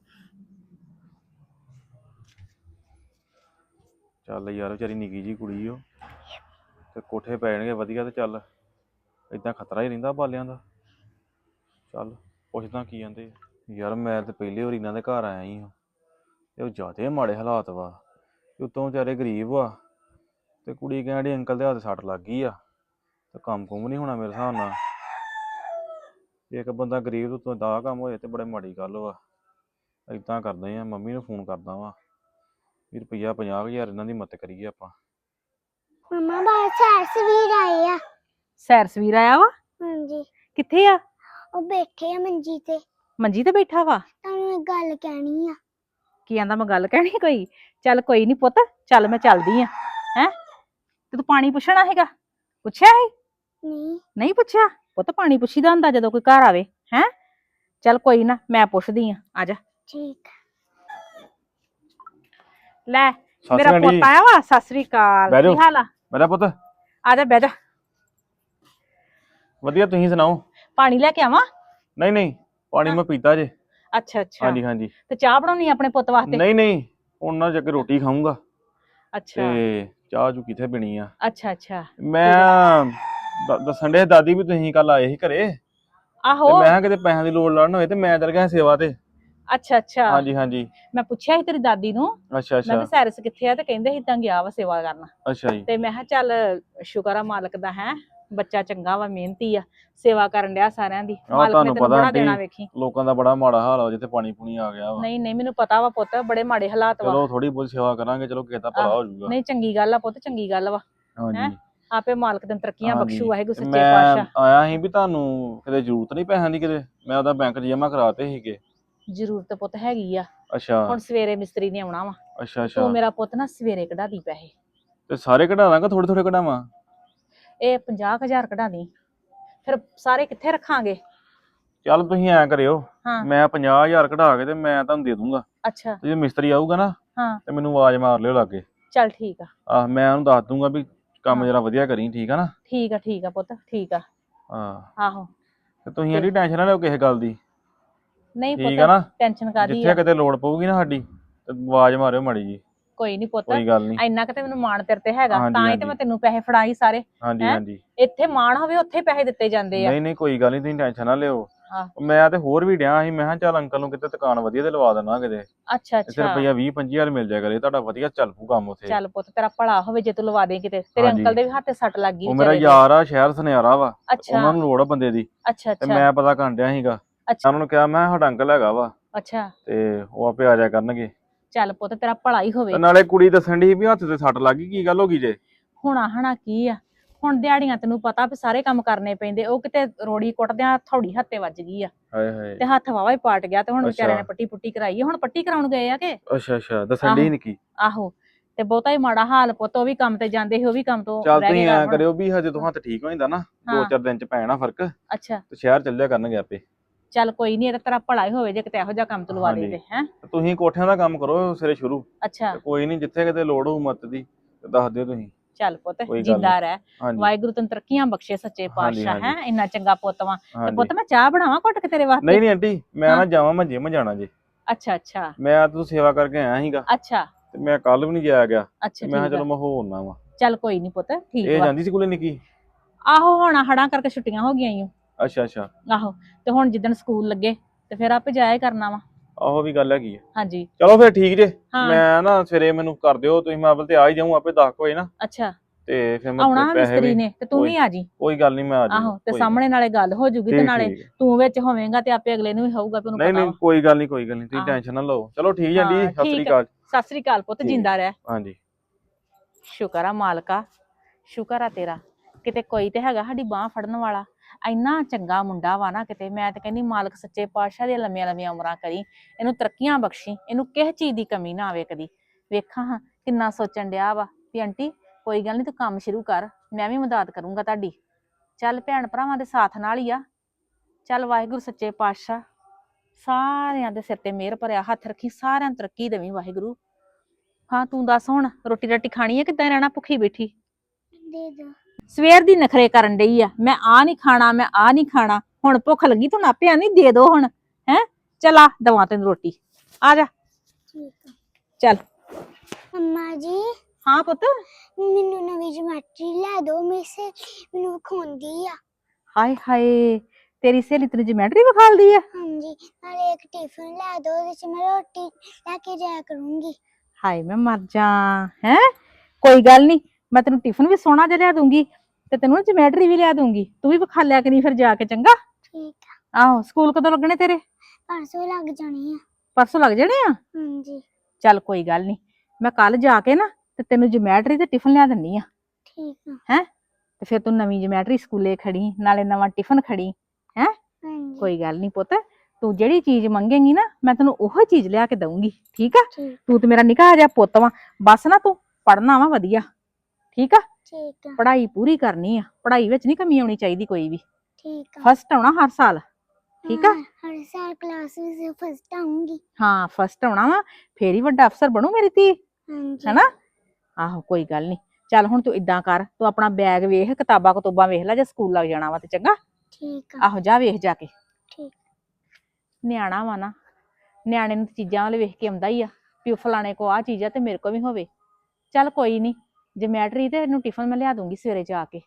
ਚੱਲ ਯਾਰ, ਵਿਚਾਰੀ ਨਿੱਕੀ ਜੀ ਕੁੜੀ ਓ, ਤੇ ਕੋਠੇ ਪੈ ਜਾਣਗੇ ਵਧੀਆ। ਤੇ ਚੱਲ ਇਦਾਂ ਖਤਰਾ ਹੀ ਰਹਿੰਦਾ ਬਾਲਿਆਂ ਦਾ। ਚੱਲ ਪੁੱਛਦਾ ਕੀ ਕਹਿੰਦੇ ਆ। ਯਾਰ ਮੈਂ ਤੇ ਪਹਿਲੀ ਵਾਰ ਇਹਨਾਂ ਦੇ ਘਰ ਆਇਆ ਹੀ ਹਾਂ ਤੇ ਉਹ ਜ਼ਿਆਦੇ ਮਾੜੇ ਹਾਲਾਤ ਵਾ ਤੇ ਉੱਤੋਂ ਵਿਚਾਰੇ ਗਰੀਬ ਵਾ ਤੇ ਕੁੜੀ ਕਹਿੰਦੀ ਅੰਕਲ ਦੇ ਹੱਥ ਸੱਟ ਲੱਗ ਗਈ ਆ ਤੇ ਕੰਮ ਕੁੰਮ ਨਹੀਂ ਹੋਣਾ ਮੇਰੇ ਹਿਸਾਬ ਨਾਲ। ਇੱਕ ਬੰਦਾ ਗਰੀਬ ਤੋਂ ਦਾ ਕੰਮ ਹੋਏ ਤੇ ਬੜੇ ਮਾੜੀ ਗੱਲ ਵਾ। ਏਦਾਂ ਕਰਦੇ ਆ, ਮੰਮੀ ਨੂੰ ਫੋਨ ਕਰਦਾ ਵਾ ਵੀ ਰੁਪਈਆ 50,000 ਇਹਨਾਂ ਦੀ ਮਦਦ ਕਰੀਏ ਆਪਾਂ। ਮਮਾ ਬਾਹਰ ਸੈਰ ਆਏ ਆ। ਸੈਰ ਸਵੀਰ ਆਇਆ ਵਾ? ਹਾਂਜੀ, ਕਿੱਥੇ ਆ? ਉਹ ਬੈਠੇ ਆ ਮੰਜੀ ਤੇ। ਮੰਜੀ ਤੇ ਬੈਠਾ ਵਾ? ਤੁਹਾਨੂੰ ਇੱਕ ਗੱਲ ਕਹਿਣੀ ਆ। ਕੀ ਆਂਦਾ? ਮੈਂ ਗੱਲ ਕਹਿਣੀ ਕੋਈ? ਚੱਲ ਕੋਈ ਨਹੀਂ ਪੁੱਤ, ਚੱਲ ਮੈਂ ਚੱਲਦੀ ਆ। ਹੈ ਤੇ ਤੂੰ ਪਾਣੀ ਪੁੱਛਣਾ ਹੈਗਾ? ਪੁੱਛਿਆ ਹੈ? ਨਹੀਂ। ਨਹੀਂ ਪੁੱਛਿਆ? ਪੁੱਤ ਪਾਣੀ ਪੁੱਛੀਦਾ ਹੁੰਦਾ ਜਦੋਂ ਕੋਈ ਘਰ ਆਵੇ। ਹੈ ਚੱਲ ਕੋਈ ਨਾ, ਮੈਂ ਪੁੱਛਦੀ ਆ, ਆ ਜਾ। ਠੀਕ। ਲੈ ਸਤਿ ਮੇਰਾ ਸ਼੍ਰੀ ਅਕਾਲ ਜੀ। ਪੁੱਤ ਆਇਆ ਵਾ। ਸਤਿ ਸ੍ਰੀ ਅਕਾਲ, ਬਹਿ ਜਾਓ। ਕੀ ਹਾਲ ਆ? ਮੇਰਾ ਪੁੱਤ ਆ ਜਾ, ਬਹਿ ਜਾ। ਵਧੀਆ, ਤੁਸੀਂ ਸੁਣਾਓ? ਪਾਣੀ ਲੈ ਕੇ ਆਵਾਂ? ਨਹੀਂ ਨਹੀਂ, ਪਾਣੀ ਮੈਂ ਪੀਤਾ ਜੇ। ਅੱਛਾ ਅੱਛਾ। ਹਾਂਜੀ ਹਾਂਜੀ। ਤੇ ਚਾਹ ਬਣਾਉਣੀ ਆਪਣੇ ਪੁੱਤ ਵਾਸਤੇ? ਨਹੀਂ ਨਹੀਂ, ਉਹਨਾਂ ਜਾ ਕੇ ਰੋਟੀ ਖਾਊਂਗਾ ਅੱਛਾ ਤੇ ਚਾਹ ਚੂ ਕਿੱਥੇ ਪੀਣੀ ਆ। ਅੱਛਾ ਅੱਛਾ। ਮੈਂ ਦੱਸਣ ਦੇ ਦਾਦੀ ਵੀ ਤੁਸੀਂ ਕੱਲ ਆਏ ਸੀ ਘਰੇ ਤੇ ਆਹੋ। ਮੈਂ ਕਿਹਾ ਕਿਤੇ ਪੈਸਿਆਂ ਦੀ ਲੋੜ ਲੜਨ ਹੋਏ ਤੇ ਮੈਂ ਚੱਲ ਗਿਆ ਸੇਵਾ ਤੇ। ਅੱਛਾ ਅੱਛਾ। ਹਾਂਜੀ ਹਾਂਜੀ। ਮੈਂ ਪੁੱਛਿਆ ਸੀ ਤੇਰੀ ਦਾਦੀ ਨੂੰ, ਅੱਛਾ ਮੈਂ ਅੱਛਾ ਕਿਹਾ ਸੈਰਸ ਕਿੱਥੇ ਆ, ਤੇ ਕਹਿੰਦੇ ਸੀ ਤਾਂ ਗਿਆ ਵਾ ਸੇਵਾ ਕਰਨ। ਅੱਛਾ ਜੀ। ਤੇ ਮੈਂ ਕਿਹਾ ਚੱਲ ਸ਼ੁਕਰ ਆ ਮਾਲਕ ਦਾ, ਹੈ ਬੱਚਾ ਚੰਗਾ ਵਾ, ਮਿਹਨਤੀ ਆ, ਸੇਵਾ ਕਰਨ ਡਿਆ ਸਾਰਿਆਂ ਦੀ। ਮਾਲਕ ਨੇ ਤੁਹਾਨੂੰ ਤੈਨੂੰ ਪਤਾ ਬੜਾ ਆਂਟੀ, ਦੇਣਾ ਵੇਖੀ। ਲੋਕਾਂ ਦਾ ਬੜਾ ਮਾੜਾ ਹਾਲ ਹੋ ਜਿੱਥੇ ਪਾਣੀ ਪੂਣੀ ਆ ਗਿਆ ਵਾ। ਨਹੀਂ ਨਹੀਂ, ਮੈਨੂੰ ਪਤਾ ਵਾ ਪੁੱਤ, ਬੜੇ ਮਾੜੇ ਹਾਲਾਤ ਵਾ। ਚਲੋ ਥੋੜੀ ਬਹੁਤ ਸੇਵਾ ਕਰਾਂਗੇ, ਚਲੋ ਕਿਸੇ ਦਾ ਭਲਾ ਹੋ ਜਾਊਗਾ। ਨਹੀਂ ਚੰਗੀ ਗੱਲ ਆ ਪੁੱਤ, ਚੰਗੀ ਗੱਲ ਵਾ। ਹਾਂਜੀ। ਆਪੇ ਮਾਲਕ ਤੈਨੂੰ ਤਰੱਕੀਆਂ ਹਾਂਜੀ। ਬਖਸ਼ੂ, ਵਾਹਿਗੁਰੂ ਤੇ ਸੱਚੇ ਮੈਂ ਪਾਤਸ਼ਾਹ। ਆਇਆ ਸੀ ਵੀ ਤੁਹਾਨੂੰ ਕਿਤੇ ਜ਼ਰੂਰਤ ਨਹੀਂ ਪੈਸਿਆਂ ਦੀ ਕਿਤੇ, ਮੈਂ ਉਹਦਾ ਬੈਂਕ 'ਚ ਜਮ੍ਹਾਂ ਕਰਾਤੇ ਸੀਗੇ। ਜ਼ਰੂਰਤ ਪੁੱਤ ਹੈਗੀ ਆ। ਅੱਛਾ ਹੁਣ ਸਵੇਰੇ ਮਿਸਤਰੀ ਨੇ ਆਉਣਾ ਵਾ। ਅੱਛਾ ਅੱਛਾ। ਤੂੰ ਮੇਰਾ ਪੁੱਤ ਨਾ ਸਵੇਰੇ ਕਢਾ ਦੀ ਪੈਸੇ। ਤੇ ਸਾਰੇ ਕਢਾ ਦਾਂਗਾ, ਥੋੜੇ ਥੋੜੇ ਕਢਾਵਾਂ? ਇਹ 50,000 ਕਢਾ ਦੀ, ਫਿਰ ਸਾਰੇ ਕਿੱਥੇ ਰੱਖਾਂਗੇ? ਚੱਲ ਤੁਸੀਂ ਐਂ ਕਰਿਓ, ਹਾਂ। ਮੈਂ 50,000 ਕਢਾ ਕੇ ਤੇ ਮੈਂ ਤੁਹਾਨੂੰ ਦੇ ਦੂੰਗਾ। ਅੱਛਾ। ਤੇ ਜੇ ਮਿਸਤਰੀ ਆਊਗਾ ਨਾ ਹਾਂ। ਤੇ ਮੈਨੂੰ ਆਵਾਜ਼ ਮਾਰ ਲਿਓ ਲਾਗੇ। ਚੱਲ ਠੀਕ ਆ। ਆਹ ਮੈਂ ਉਹਨੂੰ ਦੱਸ ਦੂੰਗਾ ਵੀ ਕੰਮ ਹਾਂ। ਜਰਾ ਵਧੀਆ ਕਰੀ, ਠੀਕ ਆ ਨਾ? ਠੀਕ ਆ ਪੁੱਤ, ਠੀਕ ਆ। ਹਾਂ। ਆਹੋ। ਤੇ ਤੁਸੀਂ ਇਹਦੀ ਟੈਨਸ਼ਨ ਨਾ ਲਿਓ ਕਿਸੇ ਗੱਲ ਦੀ, ਨਹੀਂ ਠੀਕ ਆ ਨਾ? ਪੁੱਤ, ਟੈਨਸ਼ਨ ਕਾਦੀ ਜਿੱਥੇ ਆ? ਕਿਤੇ ਲੋੜ ਪਊਗੀ ਨਾ ਸਾਡੀ ਤੇ ਆਵਾਜ਼ ਮਾਰਿਓ ਮਾੜੀ ਜੀ। ਕੋਈ ਨਹੀਂ ਪੁੱਤ, ਕੋਈ ਗੱਲ ਨਹੀਂ। ਇੰਨਾ ਕਿ ਤੇ ਮੈਨੂੰ ਮਾਣ ਤੇਰੇ ਤੇ ਹੈਗਾ, ਹਾਂਜੀ, ਤਾਂ ਹੀ ਹਾਂਜੀ। ਤੇ ਮੈਂ ਤੈਨੂੰ ਪੈਸੇ ਫੜਾਈ ਸਾਰੇ। ਹਾਂਜੀ ਹੈਂ? ਹਾਂਜੀ। ਇੱਥੇ ਮਾਣ ਹੋਵੇ ਉੱਥੇ ਪੈਸੇ ਦਿੱਤੇ ਜਾਂਦੇ ਆ। ਨਹੀਂ ਨਹੀਂ, ਕੋਈ ਗੱਲ ਨਹੀਂ, ਤੁਸੀਂ ਟੈਨਸ਼ਨ ਨਾ ਲਿਓ। ਹਾਂ। ਮੈਂ ਤੇ ਹੋਰ ਵੀ ਡਿਆ ਸੀ, ਮੈਂ ਕਿਹਾ ਚੱਲ ਅੰਕਲ ਨੂੰ ਕਿਤੇ ਦੁਕਾਨ ਵਧੀਆ ਤੇ ਲਵਾ ਦੇਣਾ ਕਿਤੇ, ਅੱਛਾ ਤੇ ਅੱਛਾ। ਰੁਪਈਆ 20-25,000 ਮਿਲ ਜਾਇਆ ਕਰੇ, ਤੁਹਾਡਾ ਵਧੀਆ ਚੱਲ ਪੂ ਕੰਮ ਉੱਥੇ। ਚੱਲ ਪੁੱਤ, ਤੇਰਾ ਭਲਾ ਹੋਵੇ ਜੇ ਤੂੰ ਲਵਾ ਦੇ ਕਿਤੇ। ਤੇਰੇ ਹਾਂਜੀ। ਅੰਕਲ ਦੇ ਵੀ ਹੱਥ ਤੇ ਸੱਟ ਲੱਗ ਗਈ ਉਹ ਮੇਰਾ ਵਿਚਾਰੇ ਦੇ। ਯਾਰ ਆ, ਸ਼ਹਿਰ ਸੁਨਿਆਰਾ ਵਾ, ਅੱਛਾ ਉਹਨਾਂ ਨੂੰ ਲੋੜ ਆ ਬੰਦੇ ਦੀ, ਅੱਛਾ ਤੇ ਅੱਛਾ ਮੈਂ ਪਤਾ ਕਰਨ ਡਿਆ ਸੀਗਾ। ਅੱਛਾ। ਉਹਨਾਂ ਨੂੰ ਕਿਹਾ ਮੈਂ ਸਾਡਾ ਅੰਕਲ ਹੈਗਾ ਵਾ ਅੱਛਾ। ਤੇ ਉਹ ਆਪੇ ਆ ਜਾਇਆ ਕਰਨਗੇ। ਚੱਲ ਪੁੱਤ, ਤੇਰਾ ਭਲਾ ਹੀ ਹੋਵੇ। ਤੇ ਨਾਲੇ ਕੁੜੀ ਦੱਸਣ ਦੀ ਵੀ ਹੱਥ ਤੇ ਸੱਟ ਲੱਗ ਗਈ, ਕੀ ਗੱਲ ਹੋ ਗਈ ਜੇ? ਹੁਣਾ ਹਣਾ ਕੀ ਆ, ਹੁਣ ਦਿਹਾੜੀਆਂ ਤੈਨੂੰ ਪਤਾ ਵੀ ਸਾਰੇ ਕੰਮ ਕਰਨੇ ਪੈਂਦੇ, ਉਹ ਕਿਤੇ ਰੋੜੀ ਕੁੱਟਦਿਆਂ ਥੋੜੀ ਹੱਥੇ ਵੱਜ ਗਈ ਆ ਹਾਏ ਹਾਏ। ਤੇ ਹੱਥ ਵਾਵਾ ਹੀ ਪਾਟ ਗਿਆ, ਤੇ ਹੁਣ ਵਿਚਾਰੇ ਨੇ ਅੱਛਾ। ਪੱਟੀ ਪੁੱਟੀ ਕਰਾਈ ਆ। ਹੁਣ ਪੱਟੀ ਕਰਾਉਣ ਗਏ ਆ ਕਿ? ਅੱਛਾ ਅੱਛਾ, ਦੱਸਣ ਦੀ ਨਿੱਕੀ। ਆਹੋ। ਤੇ ਬਹੁਤਾ ਹੀ ਮਾੜਾ ਹਾਲ ਪੁੱਤ, ਉਹ ਵੀ ਕੰਮ ਤੇ ਜਾਂਦੇ ਸੀ, ਉਹ ਵੀ ਕੰਮ ਤੋਂ ਚੱਲ ਰਹਿ ਤੁਸੀਂ ਗਏ ਐਂ ਘਰ ਹੁਣ। ਕਰਿਓ ਵੀ ਹਜੇ ਤੋਂ ਹੱਥ ਠੀਕ ਹੋ ਜਾਂਦਾ ਨਾ, ਹਾਂ। 2-4 ਦਿਨ ਚ ਪੈਣਾ ਫਰਕ, ਅੱਛਾ। ਤੇ ਸ਼ਹਿਰ ਚੱਲ ਜਾ ਕਰਨਗੇ ਆਪੇ। ਚੱਲ ਕੋਈ ਨਹੀਂ, ਇਹ ਤਾਂ ਤੇਰਾ ਭਲਾ ਹੀ ਹੋਵੇ ਜੇ ਕਿਤੇ ਇਹੋ ਜਿਹਾ ਕੰਮ ਤਲਵਾ ਦੇ ਹਾਂਜੀ। ਤੇ। ਹੈ ਤੇ ਤੁਸੀਂ ਕੋਠਿਆਂ ਦਾ ਕੰਮ ਕਰੋ ਸਿਰੇ ਸ਼ੁਰੂ, ਅੱਛਾ। ਤੇ ਕੋਈ ਨਹੀਂ ਜਿੱਥੇ ਕਿਤੇ ਲੋੜ ਹੋਊ ਮਦਦ ਦੀ ਤੇ ਦੱਸ ਦਿਓ ਤੁਸੀਂ। ਚੱਲ ਪੁੱਤ, ਕੋਈ ਗੱਲ ਜਿੰਦਾ ਨੀ। ਰਹਿ, ਹਾਂਜੀ ਵਾਹਿਗੁਰੂ ਤੈਨੂੰ ਤਰੱਕੀਆਂ ਬਖਸ਼ੇ ਸੱਚੇ ਪਾਤਸ਼ਾਹ। ਹੈ ਹਾਂਜੀ। ਇੰਨਾ ਚੰਗਾ ਪੁੱਤ ਵਾ। ਤੇ ਹਾਂਜੀ। ਪੁੱਤ ਮੈਂ ਚਾਹ ਬਣਾਵਾਂ ਘੁੱਟ ਕੇ ਤੇਰੇ ਵਾਸਤੇ? ਨਹੀਂ ਨਹੀਂ ਆਂਟੀ, ਮੈਂ ਹਾਂ। ਨਾ ਜਾਵਾਂ, ਮੈਂ ਜਿਮ ਜਾਣਾ ਜੇ। ਅੱਛਾ ਅੱਛਾ। ਮੈਂ ਤੂੰ ਸੇਵਾ ਕਰਕੇ ਆਇਆ ਸੀਗਾ ਅੱਛਾ ਤੇ ਮੈਂ ਕੱਲ ਵੀ ਨਹੀਂ ਜਾਇਆ ਗਿਆ, ਅੱਛਾ। ਤੇ ਮੈਂ ਕਿਹਾ ਠੀਕ ਚਲੋ ਆ। ਮੈਂ ਹੋ ਆਉਣਾ ਵਾ। ਚੱਲ ਕੋਈ ਨਹੀਂ ਪੁੱਤ, ਠੀਕ ਇਹ ਵਾ। ਜਾਂਦੀ ਸੀ ਕੋਲੇ ਨਿੱਕੀ? ਆਹੋ, ਹੁਣ ਹੜਾਂ ਕਰਕੇ ਛੁੱਟੀਆਂ ਹੋ ਗਈਆਂ ਈ ਓ। ਅੱਛਾ ਅੱਛਾ। ਆਹੋ। ਤੇ ਹੁਣ ਜਿੱਦਣ ਸਕੂਲ ਲੱਗੇ ਤੇ ਫਿਰ ਆਪੇ ਜਾਇਆ ਹੀ ਕਰਨਾ ਵਾ। ਆਹੋ ਵੀ ਗੱਲ ਹੈਗੀ ਆ। ਹਾਂਜੀ। ਚਲੋ ਫਿਰ ਠੀਕ ਜੇ। ਹਾਂ। ਮੈਂ ਨਾ ਸਵੇਰੇ ਮੈਨੂੰ ਕਰ ਦਿਓ ਤੁਸੀਂ, ਮੈਂ ਆਪੇ ਤੇ ਆ ਹੀ ਜਾਊਂ ਆਪੇ 10 ਵਜੇ ਨਾ, ਅੱਛਾ। ਤੇ ਫਿਰ ਮੈਂ ਆਉਣਾ ਪੈਸੇ ਮਿਸਤਰੀ ਵੀ, ਨੇ ਤੇ ਤੂੰ ਵੀ ਆ ਜੀ। ਕੋਈ ਗੱਲ ਨਹੀਂ, ਮੈਂ ਆ ਆਹੋ, ਜਾਊਂ। ਤੇ ਸਾਹਮਣੇ ਨਾਲੇ ਗੱਲ ਹੋ ਜੂਗੀ, ਤੇ ਠੀਕ ਨਾਲੇ ਠੀਕ। ਤੂੰ ਵਿੱਚ ਹੋਵੇਂਗਾ ਤੇ ਆਪੇ ਅਗਲੇ ਨੂੰ ਵੀ ਹੋਊਗਾ ਕਿ ਉਹਨੂੰ ਨਹੀਂ ਪਤਾ ਨਹੀਂ, ਵਾ। ਕੋਈ ਗੱਲ ਨਹੀਂ, ਕੋਈ ਗੱਲ ਨਹੀਂ, ਤੁਸੀਂ ਆਹੋ। ਟੈਨਸ਼ਨ ਨਾ ਲਓ। ਚਲੋ ਠੀਕ ਹੈ ਜੀ, ਹਾਂ, ਸਤਿ ਸ੍ਰੀ ਠੀਕ। ਅਕਾਲ। ਸਤਿ ਸ੍ਰੀ ਅਕਾਲ ਪੁੱਤ, ਠੀਕ। ਜਿੰਦਾ ਰਹਿ। ਹਾਂਜੀ। ਸ਼ੁਕਰ ਆ ਮਾਲਕਾ, ਸ਼ੁਕਰ ਆ ਤੇਰਾ, ਕਿਤੇ ਕੋਈ ਤੇ ਹੈਗਾ ਸਾਡੀ ਬਾਹ ਫੜਨ ਵਾਲਾ। ਇੰਨਾ ਚੰਗਾ ਮੁੰਡਾ ਵਾ ਨਾ ਕਿਤੇ, ਮੈਂ ਤੇ ਕਹਿੰਦੀ ਮਾਲਕ ਸੱਚੇ ਪਾਤਸ਼ਾਹ ਦੀਆਂ ਲੰਮੀਆਂ ਲੰਮੀਆਂ ਉਮਰਾਂ ਕਰੀ, ਇਹਨੂੰ ਤਰੱਕੀਆਂ ਬਖਸ਼ੀ, ਇਹਨੂੰ ਕਿਸੇ ਚੀਜ਼ ਦੀ ਕਮੀ ਨਾ ਆਵੇ ਕਦੀ। ਵੇਖਾਂ ਹਾਂ ਕਿੰਨਾ ਸੋਚਣ ਡਿਆ ਵਾ ਵੀ ਆਂਟੀ ਕੋਈ ਗੱਲ ਨਹੀਂ, ਤੂੰ ਕੰਮ ਸ਼ੁਰੂ ਕਰ, ਮੈਂ ਵੀ ਮਦਦ ਕਰੂੰਗਾ ਤੁਹਾਡੀ। ਚੱਲ ਭੈਣ ਭਰਾਵਾਂ ਦੇ ਸਾਥ ਨਾਲ ਹੀ ਆ। ਚੱਲ ਵਾਹਿਗੁਰੂ ਸੱਚੇ ਪਾਤਸ਼ਾਹ ਸਾਰਿਆਂ ਦੇ ਸਿਰ ਤੇ ਮਿਹਰ ਭਰਿਆ ਹੱਥ ਰੱਖੀ, ਸਾਰਿਆਂ ਨੂੰ ਤਰੱਕੀ ਦੇਵੀਂ ਵਾਹਿਗੁਰੂ। ਹਾਂ ਤੂੰ ਦੱਸ, ਹੁਣ ਰੋਟੀ ਰਾਟੀ ਖਾਣੀ ਹੈ, ਕਿੱਦਾਂ ਰਹਿਣਾ ਭੁੱਖੀ ਬੈਠੀ? ਦੇ ਦੋ। ਸਵੇਰ ਦੀ ਨਖਰੇ ਕਰਨ ਡਈ ਆ, ਮੈਂ ਆ ਨਹੀਂ ਖਾਣਾ, ਮੈਂ ਆ ਨਹੀਂ ਖਾਣਾ। ਹੁਣ ਭੁੱਖ ਲੱਗੀ ਤੂੰ ਨਾਪਿਆ ਨਹੀਂ, ਦੇ ਦੋ ਹੁਣ। ਹੈ ਚੱਲ ਆ ਦਵਾ ਤੈਨੂੰ ਰੋਟੀ, ਆ ਜਾ। ਠੀਕ ਆ। ਚੱਲ। ਮੰਮਾ ਜੀ, ਹਾਂ ਪੁੱਤ। ਮੈਨੂੰ ਨਵੀਂ ਜਿਓਮੈਟਰੀ ਲੈ ਦਿਓ, ਮੈਨੂੰ ਵਿਖਾਉਂਦੀ ਆ। ਹਾਏ ਹਾਏ, ਤੇਰੀ ਸਹੇਲੀ ਤੈਨੂੰ ਜਿਮੈਟਰੀ ਵਿਖਾਲਦੀ ਆ? ਹਾਂਜੀ, ਨਾਲੇ ਇੱਕ ਟਿਫਨ ਲੈ ਦੋ, ਉਹਦੇ ਚ ਮੈਂ ਰੋਟੀ ਲੈ ਕੇ ਜਾਇਆ ਕਰੂੰਗੀ। ਹਾਏ ਮੈਂ ਮਰ ਜਾ। ਹੈ ਕੋਈ ਗੱਲ ਨਹੀਂ, ਮੈਂ ਤੈਨੂੰ ਟਿਫਨ ਵੀ ਸੋਹਣਾ ਜਿਹਾ ਲਿਆ ਦੂੰਗੀ ਤੇ ਤੈਨੂੰ ਜਿਮੈਟਰੀ ਵੀ ਲਿਆ ਦੂੰਗੀ। ਤੂੰ ਵੀ ਵਿਖਾ ਲਿਆ ਕਰੀ ਫਿਰ ਜਾ ਕੇ, ਚੰਗਾ? ਠੀਕ ਆ, ਆਹੋ, ਸਕੂਲ ਕਦੋਂ ਲੱਗਣੇ ਤੇਰੇ? ਪਰਸੋਂ ਲੱਗ ਜਾਣੀ ਆ। ਪਰਸੋਂ ਲੱਗ ਜਾਣੇ ਆ? ਹਾਂਜੀ ਚੱਲ ਕੋਈ ਗੱਲ ਨਹੀਂ, ਮੈਂ ਕੱਲ ਜਾ ਕੇ ਨਾ ਤੇ ਤੈਨੂੰ ਜਿਮੈਟਰੀ ਤੇ ਟਿਫਨ ਲਿਆ ਦਿੰਨੀ ਆ। ਠੀਕ ਆ। ਹੈ ਤੇ ਫਿਰ ਤੂੰ ਨਵੀਂ ਜਿਮੈਟਰੀ ਸਕੂਲੇ ਖੜੀ, ਨਾਲੇ ਨਵਾਂ ਟਿਫਨ ਖੜੀ। ਹੈ ਹਾਂਜੀ ਕੋਈ ਗੱਲ ਨਹੀਂ ਪੁੱਤ, ਤੂੰ ਜਿਹੜੀ ਚੀਜ਼ ਮੰਗੇਂਗੀ ਨਾ ਮੈਂ ਤੈਨੂੰ ਉਹੋ ਚੀਜ਼ ਲਿਆ ਕੇ ਦਊਂਗੀ, ਠੀਕ ਆ? ਠੀਕ ਤੂੰ ਤੇ ਮੇਰਾ ਨਿੱਕਾ ਜਿਹਾ ਪੁੱਤ ਵਾ, ਬਸ ਨਾ ਤੂੰ ਪੜ੍ਹਨਾ ਵਾ ਵਧੀਆ, ਠੀਕ ਆ? ਠੀਕ ਆ। ਪੜ੍ਹਾਈ ਪੂਰੀ ਕਰਨੀ ਆ, ਪੜ੍ਹਾਈ ਵਿੱਚ ਨਹੀਂ ਕਮੀ ਆਉਣੀ ਚਾਹੀਦੀ ਕੋਈ ਵੀ। ਠੀਕ ਆ। ਫਸਟ ਆਉਣਾ ਹਰ ਸਾਲ, ਠੀਕ ਆ? ਹਾਂ, ਹਰ ਸਾਲ ਕਲਾਸ ਵਿੱਚ ਫਸਟ ਆਉਂਗੀ। ਹਾਂ ਫਸਟ ਆਉਣਾ ਵਾ, ਫੇਰ ਹੀ ਵੱਡਾ ਅਫਸਰ ਬਣੂ ਮੇਰੀ ਧੀ, ਹਾਂਜੀ ਹੈਨਾ? ਆਹੋ ਕੋਈ ਗੱਲ ਨਹੀਂ। ਚੱਲ ਹੁਣ ਤੂੰ ਇਦਾਂ ਕਰ, ਤੂੰ ਆਪਣਾ ਬੈਗ ਵੇਖ, ਕਿਤਾਬਾਂ ਕਤੂਬਾਂ ਵੇਖ ਲੈ, ਜੇ ਸਕੂਲ ਲੱਗ ਜਾਣਾ ਵਾ ਤੇ ਚੰਗਾ? ਠੀਕ ਆ। ਆਹੋ ਜਾ ਵੇਖ ਜਾ ਕੇ। ਠੀਕ। ਨਿਆਣਾ ਵਾ ਨਾ, ਨਿਆਣੇ ਨੂੰ ਚੀਜ਼ਾਂ ਵਾਲੇ ਵੇਖ ਕੇ ਆਉਂਦਾ ਹੀ ਆ ਵੀ ਉਹ ਫਲਾਣੇ ਕੋ ਆ ਚੀਜ਼ ਆ ਤੇ ਮੇਰੇ ਕੋ ਵੀ ਹੋਵੇ। ਚੱਲ ਕੋਈ ਨਹੀਂ, ਜਿਮੈਟਰੀ ਤੇ ਇਹਨੂੰ ਟਿਫਨ ਮੈਂ ਲਿਆ ਦੂੰਗੀ ਸਵੇਰੇ ਜਾ ਕੇ।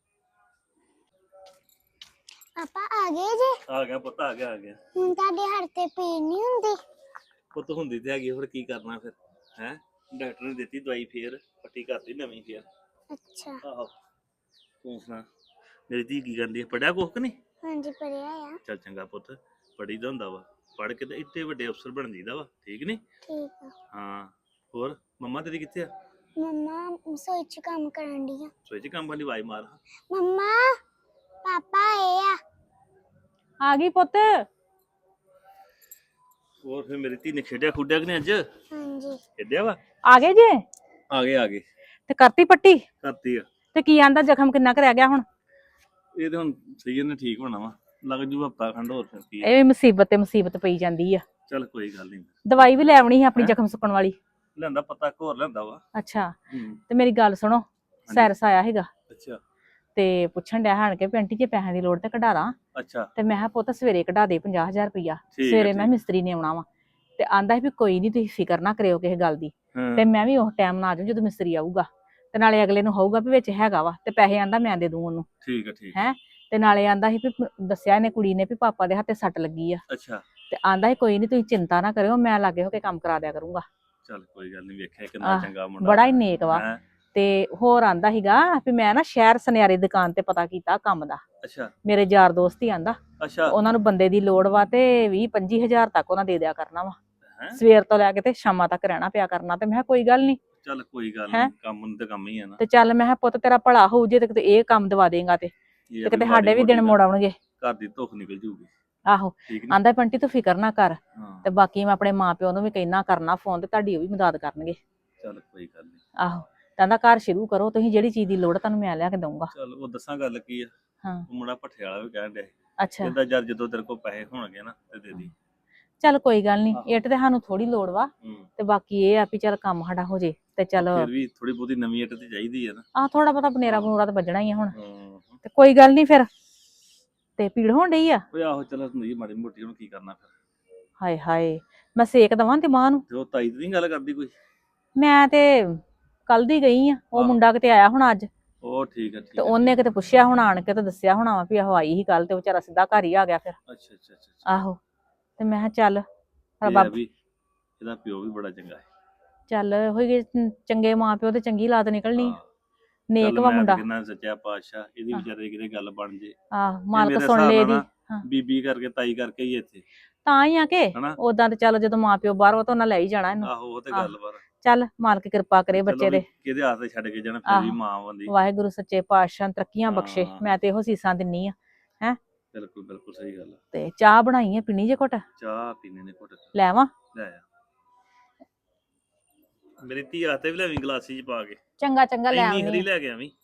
ਪਾਪਾ ਆ ਗਏ ਜੇ? ਆ ਗਿਆ ਪੁੱਤ, ਆ ਗਿਆ ਹੁਣ ਤੁਹਾਡੇ ਹੱਥ ਤੇ ਪੀੜ ਨਹੀਂ ਹੁੰਦੀ? ਪੁੱਤ ਹੁੰਦੀ ਤੇ ਹੈਗੀ, ਹੋਰ ਕੀ ਕਰਨਾ ਫਿਰ? ਹੈ ਡਾਕਟਰ ਨੇ ਦਿੱਤੀ ਦਵਾਈ, ਫੇਰ ਪੱਟੀ ਕਰਤੀ ਨਵੀਂ ਫੇਰ। ਅੱਛਾ। ਆਹੋ ਤੂੰ ਸੁਣਾ, ਮੇਰੀ ਧੀ ਕੀ ਕਰਦੀ ਹੈ? ਪੜਿਆ ਕੁਛ ਕਿ ਨਹੀਂ? ਹਾਂਜੀ ਪੜਿਆ ਆ। ਚੱਲ ਚੰਗਾ ਪੁੱਤ, ਪੜੀ ਦਾ ਹੁੰਦਾ ਵਾ, ਪੜ ਕੇ ਤੇ ਇੱਥੇ ਵੱਡੇ ਅਫਸਰ ਬਣ ਜੀਦਾ ਵਾ, ਠੀਕ ਨੀ? ਠੀਕ ਆ। ਹਾਂ ਹੋਰ ਮੰਮਾ ਤੇਰੀ ਕਿੱਥੇ ਆ? ਮੰਮਾ ਰਸੋਈ ਚ ਕੰਮ ਕਰਨ ਦੀ ਆ। ਸੋਈ ਚ ਕੰਮ ਵਾਲੀ ਆਵਾਜ਼ ਮਾਰ। ਮੰਮਾ ਪਾਪਾ ਆਏ ਆ। ਆ ਗਈ ਪੁੱਤ? ਹੋਰ ਫਿਰ ਮੇਰੀ ਧੀ ਨੇ ਖੇਡਿਆ ਖੁੱਡਿਆ ਕਿ ਨਹੀਂ ਅੱਜ? ਹਾਂਜੀ ਖੇਡਿਆ ਵਾ? ਆ ਗਏ ਜੇ? ਆ ਗਏ ਤੇ ਕਰਤੀ ਪੱਟੀ? ਕਰਤੀ ਆ। ਤੇ ਕੀ ਆਂਦਾ, ਜ਼ਖਮ ਕਿੰਨਾ ਕੁ ਰਹਿ ਗਿਆ ਹੁਣ? ਇਹ ਤੇ ਹੁਣ ਸਹੀ ਨੇ, ਠੀਕ ਹੋਣਾ ਵਾ, ਲੱਗ ਜੂ ਹਫਤਾ ਖੰਡ, ਹੋਰ ਫਿਰ ਕੀ ਆ। ਇਹ ਮੁਸੀਬਤ ਤੇ ਮੁਸੀਬਤ ਪਈ ਜਾਂਦੀ ਆ। ਚੱਲ ਕੋਈ ਗੱਲ ਨਹੀਂ, ਦਵਾਈ ਵੀ ਲੈ ਆਉਣੀ ਸੀ ਆਪਣੀ ਹੈਂ? ਜ਼ਖਮ ਸੁੱਕਣ ਵਾਲੀ। ਲਿਆਂਦਾ ਪਤਾ ਇੱਕ ਹੋਰ ਲਿਆਂਦਾ ਵਾ। ਅੱਛਾ ਤੇ ਮੇਰੀ ਗੱਲ ਸੁਣੋ, ਸੈਰਸ ਆਇਆ ਹੈਗਾ ਅੱਛਾ ਤੇ ਪੁੱਛਣ ਡਿਆ ਹਣ ਕੇ ਵੀ ਆਂਟੀ ਜੇ ਪੈਸਿਆਂ ਦੀ ਲੋੜ ਤੇ ਕਢਾ ਦਾਂ। ਅੱਛਾ ਤੇ ਮੈਂ ਕਿਹਾ ਪੁੱਤ ਸਵੇਰੇ ਕਢਾ ਦੇ 50,000 ਰੁਪਇਆ, ਠੀਕ ਆ, ਸਵੇਰੇ ਮੈਂ ਠੀਕ। ਮਿਸਤਰੀ ਨੇ ਆਉਣਾ ਵਾ। ਤੇ ਆਂਦਾ ਸੀ ਵੀ ਕੋਈ ਨਹੀਂ, ਤੁਸੀਂ ਫਿਕਰ ਨਾ ਕਰਿਓ ਕਿਸੇ ਗੱਲ ਦੀ, ਹਾਂ ਤੇ ਮੈਂ ਵੀ ਉਸ ਟਾਈਮ ਨਾਲ ਆ ਜਾਊਂ ਜਦੋਂ ਮਿਸਤਰੀ ਆਊਗਾ, ਤੇ ਨਾਲੇ ਅਗਲੇ ਨੂੰ ਹੋਊਗਾ ਵੀ ਵਿੱਚ ਹੈਗਾ ਵਾ, ਤੇ ਪੈਸੇ ਆਂਦਾ ਮੈਂ ਦੇ ਦੂੰ ਉਹਨੂੰ। ਠੀਕ ਆ, ਠੀਕ ਹੈਂ? ਤੇ ਨਾਲੇ ਆਂਦਾ ਸੀ ਵੀ ਦੱਸਿਆ ਇਹਨੇ ਕੁੜੀ ਨੇ ਵੀ ਪਾਪਾ ਦੇ ਹੱਥੇ ਸੱਟ ਲੱਗੀ ਆ, ਅੱਛਾ ਤੇ ਆਂਦਾ ਸੀ ਕੋਈ ਨਹੀਂ ਤੁਸੀਂ ਚਿੰਤਾ ਨਾ ਕਰਿਓ, ਮੈਂ ਲਾਗੇ ਹੋ ਕੇ ਕੰਮ ਕਰਾ ਦਿਆ ਕਰੂੰਗਾ। ਚੱਲ ਕੋਈ ਗੱਲ ਨਹੀਂ, ਵੇਖਿਆ ਕਿੰਨਾ ਆਹ, ਚੰਗਾ ਮੁੰਡਾ, ਬੜਾ ਹੀ ਨੇਕ ਵਾ। ਹੈਂ? ਤੇ ਹੋਰ ਆਂਦਾ ਸੀਗਾ ਵੀ ਮੈਂ ਨਾ ਸ਼ਹਿਰ ਸੁਨਿਆਰੇ ਦੁਕਾਨ ਤੇ ਪਤਾ ਕੀਤਾ ਕੰਮ ਦਾ, ਅੱਛਾ ਮੇਰੇ ਯਾਰ ਦੋਸਤ ਹੀ ਆਂਦਾ, ਅੱਛਾ ਉਹਨਾਂ ਨੂੰ ਬੰਦੇ ਦੀ ਲੋੜ ਵਾ ਤੇ 20-25 ਹਜ਼ਾਰ ਤੱਕ ਉਹਨਾਂ ਦੇ ਦਿਆ ਕਰਨਾ ਵਾ, ਹੈਂ? ਸਵੇਰ ਤੋਂ ਲੈ ਕੇ ਤੇ ਸ਼ਾਮਾਂ ਤੱਕ ਰਹਿਣਾ ਪਿਆ ਕਰਨਾ। ਤੇ ਮੈਂ ਕਿਹਾ ਕੋਈ ਗੱਲ ਨਹੀਂ, ਚੱਲ ਕੋਈ ਗੱਲ ਹੈਂ? ਨਹੀਂ, ਕੰਮ ਨੂੰ ਤੇ ਕੰਮ ਹੀ ਆ ਨਾ। ਤੇ ਚੱਲ ਮੈਂ ਕਿਹਾ ਪੁੱਤ ਤੇਰਾ ਭਲਾ ਹੋਊ ਜੇ ਤੇ ਕਿਤੇ ਇਹ ਕੰਮ ਦਵਾ ਦੇਗਾ ਤੇ ਇਹ ਕਿਤੇ ਵੀ ਸਾਡੇ ਵੀ ਮਾੜੀ ਦਿਨ ਮੋੜ ਆਉਣਗੇ। ਘਰ ਦੀ ਧੁੱਖ ਨਿਕਲ ਜੂਗੀ, ਆਹੋ ਠੀਕ ਨੀ? ਆਂਦਾ ਪੰਟੀ ਤੂੰ ਫਿਕਰ ਨਾ ਕਰ, ਹਾਂ ਤੇ ਬਾਕੀ ਮੈਂ ਆਪਣੇ ਮਾਪਿਓ ਨੂੰ ਵੀ ਕਹਿਣਾ ਕਰਨਾ ਫੋਨ, ਤੇ ਤੁਹਾਡੀ ਉਹ ਵੀ ਮਦਦ ਕਰਨਗੇ। ਚੱਲ ਕੋਈ ਗੱਲ ਨਹੀਂ। ਆਹੋ ਕਹਿੰਦਾ ਘਰ ਸ਼ੁਰੂ ਕਰੋ ਤੁਸੀਂ, ਜਿਹੜੀ ਚੀਜ਼ ਦੀ ਲੋੜ ਤੁਹਾਨੂੰ ਮੈਂ ਲਿਆ ਕੇ ਦਊਂਗਾ। ਚੱਲ ਉਹ ਦੱਸਾਂ ਗੱਲ ਕੀ ਆ, ਹਾਂ ਉਹ ਮੁੰਡਾ ਭੱਠੇ ਵਾਲਾ ਵੀ ਕਹਿਣ ਡਿਆ ਸੀ, ਅੱਛਾ ਕਹਿੰਦਾ ਯਾਰ ਜਦੋਂ ਤੇਰੇ ਕੋਲ ਪੈਸੇ ਹੋਣਗੇ ਨਾ ਤੇ ਦੇ ਦੀ। ਚੱਲ ਕੋਈ ਗੱਲ ਨਹੀਂ, ਆਹੋ। ਇੱਟ ਤੇ ਸਾਨੂੰ ਥੋੜੀ ਲੋੜ ਵਾ, ਹੂੰ ਤੇ ਬਾਕੀ ਇਹ ਆ ਵੀ ਚੱਲ ਕੰਮ ਸਾਡਾ ਹੋ ਜੇ ਤੇ ਚੱਲ ਫਿਰ ਵੀ ਥੋੜੀ ਬਹੁਤੀ ਨਵੀਂ ਇੱਟ ਤੇ ਚਾਹੀਦੀ ਆ ਨਾ। ਆਹ ਥੋੜਾ ਬਹੁਤਾ ਬਨੇਰਾ ਬਨੂਰਾ ਤਾਂ ਵੱਜਣਾ ਹੀ ਆ ਹੁਣ, ਹਾਂ ਤੇ ਕੋਈ ਗੱਲ ਨਹੀਂ ਫਿਰ। ਤੇ ਪੀੜ ਹੋਣ ਡਈ ਆ? ਓਏ ਆਹੋ ਚੱਲ ਹੁੰਦੀ ਮਾੜੀ ਮੋਟੀ, ਹੁਣ ਕੀ ਕਰਨਾ ਫਿਰ। ਹਾਏ ਹਾਏ, ਮੈਂ ਸੇਕ ਦਵਾਂ ਤੇ ਮਾਂ ਨੂੰ? ਤੇ ਉਹ ਤਾਈ ਦੀ ਨੀ ਗੱਲ ਕਰਦੀ ਕੋਈ? ਮੈਂ ਤੇ ਕੱਲ ਦੀ ਗਈ ਆ, ਉਹ ਆਹੋ। ਮੁੰਡਾ ਕਿਤੇ ਆਇਆ ਹੁਣ ਅੱਜ, ਉਹ ਠੀਕ ਆ, ਠੀਕ ਤੇ ਆ, ਉਹਨੇ ਠੀਕ ਆ। ਕਿਤੇ ਪੁੱਛਿਆ ਹੁਣ ਆਣ ਕੇ ਤੇ ਦੱਸਿਆ ਹੋਣਾ ਵਾ ਵੀ ਆਹੋ ਆਈ ਸੀ ਕੱਲ, ਤੇ ਵਿਚਾਰਾ ਸਿੱਧਾ ਘਰ ਹੀ ਆ ਗਿਆ ਫਿਰ। ਅੱਛਾ ਅੱਛਾ ਅੱਛਾ ਅੱਛਾ। ਆਹੋ ਤੇ ਮੈਂ ਕਿਹਾ ਚੱਲ ਇਹ ਆ ਰੱਬ, ਵੀ ਇਹਦਾ ਪਿਓ ਵੀ ਬੜਾ ਚੰਗਾ ਹੈ। ਚੱਲ ਹੋਈ ਚੰਗੇ ਮਾਂ ਪਿਓ ਤੇ ਚੰਗੀ ਲਾਦ ਨਿਕਲਣੀ, ਹਾਂ। ਨੇਕ ਚੱਲ ਵਾ ਮੈਂ ਮੁੰਡਾ। ਤਾਂ ਕਹਿੰਦਾ ਸੱਚਾ ਪਾਤਸ਼ਾਹ ਇਹਦੀ ਹਾਂ। ਵਿਚਾਰੇ ਕਿਤੇ ਗੱਲ ਬਣ ਜੇ। ਆਹ ਇਹ ਮਾਲਕ ਮੇਰੇ ਸੁਣ ਹਿਸਾਬ ਲੈ ਨਾਲ ਇਹਦੀ। ਨਾ ਹਾਂ ਬੀਬੀ ਕਰਕੇ ਤਾਈ ਕਰਕੇ ਹੀ ਇੱਥੇ, ਤਾਂ ਹੀ ਆ ਕੇ ਹਨਾ? ਉਦਾਂ ਤੇ ਚੱਲ ਜਦੋਂ ਮਾਂ ਪਿਓ ਬਾਹਰ ਵਾ ਤਾਂ ਉਹਨਾਂ ਲੈ ਹੀ ਜਾਣਾ ਇਹਨੂੰ। ਆਹੋ ਉਹ ਤੇ ਆਹ, ਗੱਲ ਬਾਰ। ਚੱਲ ਮਾਲਕ ਕਿਰਪਾ ਕਰੇ ਬੱਚੇ ਚਲੋ ਵੀ ਦੇ। ਕਿਹਦੇ ਹੱਥ ਤੇ ਛੱਡ ਕੇ ਜਾਣਾ, ਫਿਰ ਵੀ ਆਹੋ ਮਾਂ ਬੰਦੀ। ਵਾਹਿਗੁਰੂ ਸੱਚੇ ਪਾਤਸ਼ਾਹ ਤਰੱਕੀਆਂ ਬਖਸ਼ੇ, ਹਾਂ। ਮੈਂ ਤੇ ਇਹੋ ਸੀਸਾਂ ਦਿੰਨੀ ਆ। ਬਿਲਕੁਲ ਬਿਲਕੁਲ ਸਹੀ ਗੱਲ ਆ। ਤੇ ਚਾਹ ਬਣਾਈ ਆ, ਪੀਣੀ ਜੇ ਘੁੱਟ? ਚਾਹ ਪੀਣੇ ਨੇ ਘੁੱਟ। ਲੈ ਆਵਾਂ? ਲੈ ਆ, ਮੇਰੀ ਧੀ ਹੱਥ ਤੇ ਵੀ ਲੈਵੀਂ ਗਲਾਸੀ ਚ ਪਾ ਕੇ, ਚੰਗਾ ਚੰਗਾ ਲੈ ਇੰਨੀ ਖਰੀ ਆਉਣੀ ਲੈ ਕੇ ਆਵੀਂ।